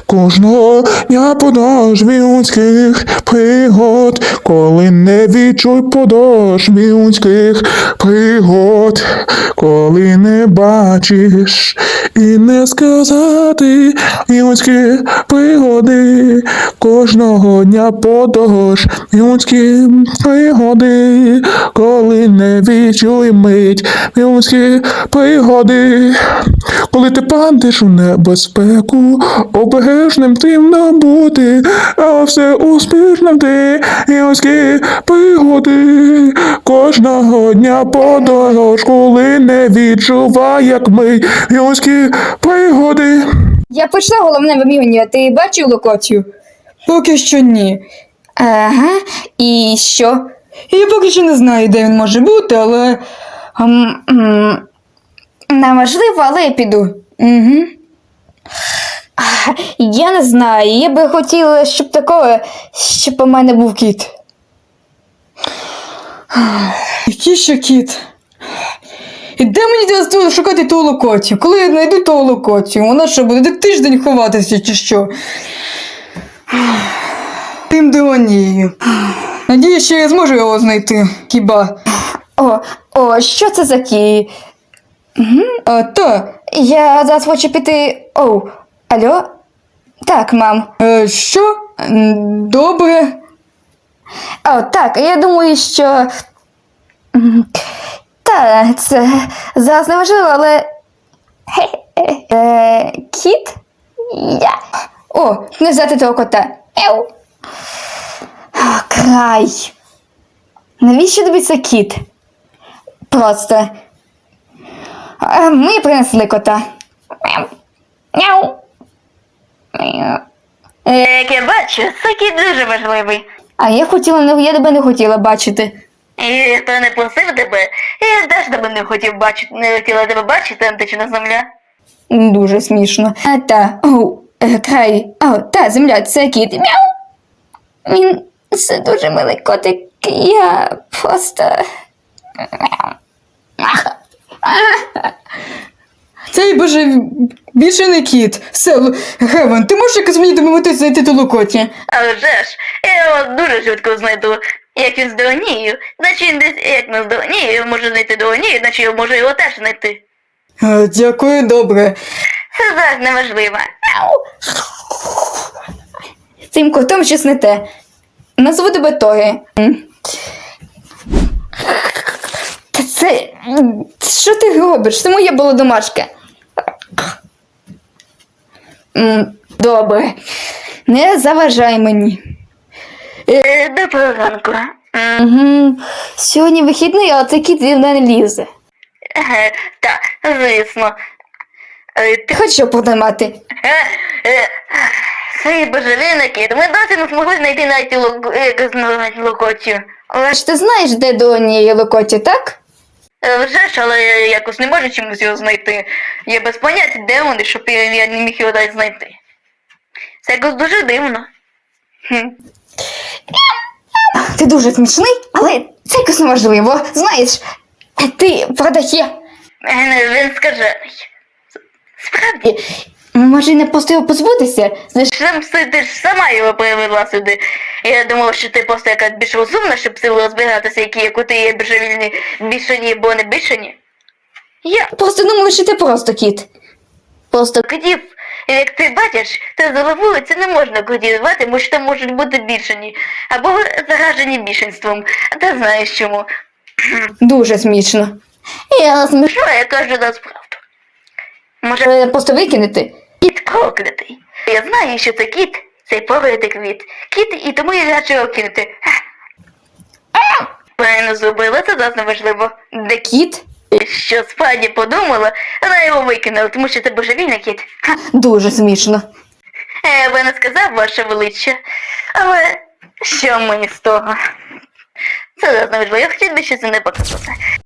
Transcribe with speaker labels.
Speaker 1: Кожного дня подошві людських пригод, коли не відчуй подошві людських пригод, коли не бачиш і не сказати людські пригоди, кожного дня подорож людські пригоди, коли не відчуй мить людські пригоди, коли ти падеш у небезпеку, обережним тим бути, а все успішним ти людські пригоди, кожного дня подорож, коли не відчувай, як ми людські пригоди.
Speaker 2: Я почла головне вимірювання. Ти бачив локацію?
Speaker 3: Поки що ні.
Speaker 2: Ага. І що?
Speaker 3: Я поки що не знаю, де він може бути, але...
Speaker 2: Неважливо, але я піду.
Speaker 3: Угу.
Speaker 2: Я не знаю. Я би хотіла, щоб у мене був кіт.
Speaker 3: Який ще кіт? І де мені зараз шукати ту локацію? Коли я знайду ту локацію? Вона що, буде тиждень ховатися чи що? Тим Деонією. Надіюсь, що я зможу його знайти. Хіба?
Speaker 2: Що це за кіт? Я зараз хочу піти... Алло? Так, мам.
Speaker 3: Що? Добре.
Speaker 2: Так, я думаю, що... це зараз не важливо, але... Кіт? Не взяти того кота. Край. Навіщо тобі це кіт? Просто... Ми принесли кота.
Speaker 4: Як я бачу, це кіт дуже важливий.
Speaker 2: Я тебе не хотіла бачити.
Speaker 4: І хто не просив тебе, я теж тебе не хотіла тебе бачити, антична земля.
Speaker 2: Дуже смішно. Край. Земля, це кіт. Він це дуже милий котик. Я просто...
Speaker 3: Цей, боже, більше не кіт. Все, Гевен, ти можеш якось мені допомогти знайти ту локацію?
Speaker 4: Але вже ж, я його дуже швидко знайду. Як він з Деонією, значить він десь, як не з Деонією, може знайти Деонію, значить я можу його теж знайти.
Speaker 3: Дякую, добре.
Speaker 4: Це зараз не важливо.
Speaker 2: Цим котом щось не те. Назву тебе Тогі. Це... Що ти робиш? Це моя була домашка. Добре. Не заважай мені.
Speaker 4: Доброго ранку.
Speaker 2: Сьогодні вихідний, але цей кіт зі мне не лізе.
Speaker 4: Так, звісно.
Speaker 2: Ти хочеш його потримати?
Speaker 4: Цей божевільний кіт, ми досі не змогли знайти навіть локацію.
Speaker 2: Але ж ти знаєш, де до однієї локації, так?
Speaker 4: Вже ж, але я якось не можу чомусь його знайти. Я без поняття, де вони, щоб я не міг його далі знайти. Це якось дуже дивно.
Speaker 2: Ти дуже смішний, але це якось неможливо. Знаєш, ти продає.
Speaker 4: Він скажений. Справді.
Speaker 2: Може, не просто його позбутися?
Speaker 4: Ти ж сама його привела сюди. Я думав, що ти просто якась більш розумна, щоб силу розбиратися, які коти є божевільні, бішані або не бішані.
Speaker 2: Я просто думала, що ти просто кіт.
Speaker 4: Просто котів, як ти бачиш, то за вулиці не можна котів звати, бо що там можуть бути бішані, або заражені бішенством. А ти знаєш чому.
Speaker 2: Дуже смішно.
Speaker 4: Що я кажу насправду?
Speaker 2: Може, просто викинути?
Speaker 4: Кіт проклятий. Я знаю, що це кіт, цей проклятий квіт. Кіт, і тому я хочу його кинути. Правильно зробила, це зараз неважливо.
Speaker 2: Де кіт?
Speaker 4: Що справді подумала, вона його викинула, тому що це божевільний кіт.
Speaker 2: Дуже смішно.
Speaker 4: Я би не сказав, ваше величчя, але що мені з того? Це зараз неважливо, я хотів би ще це не показати.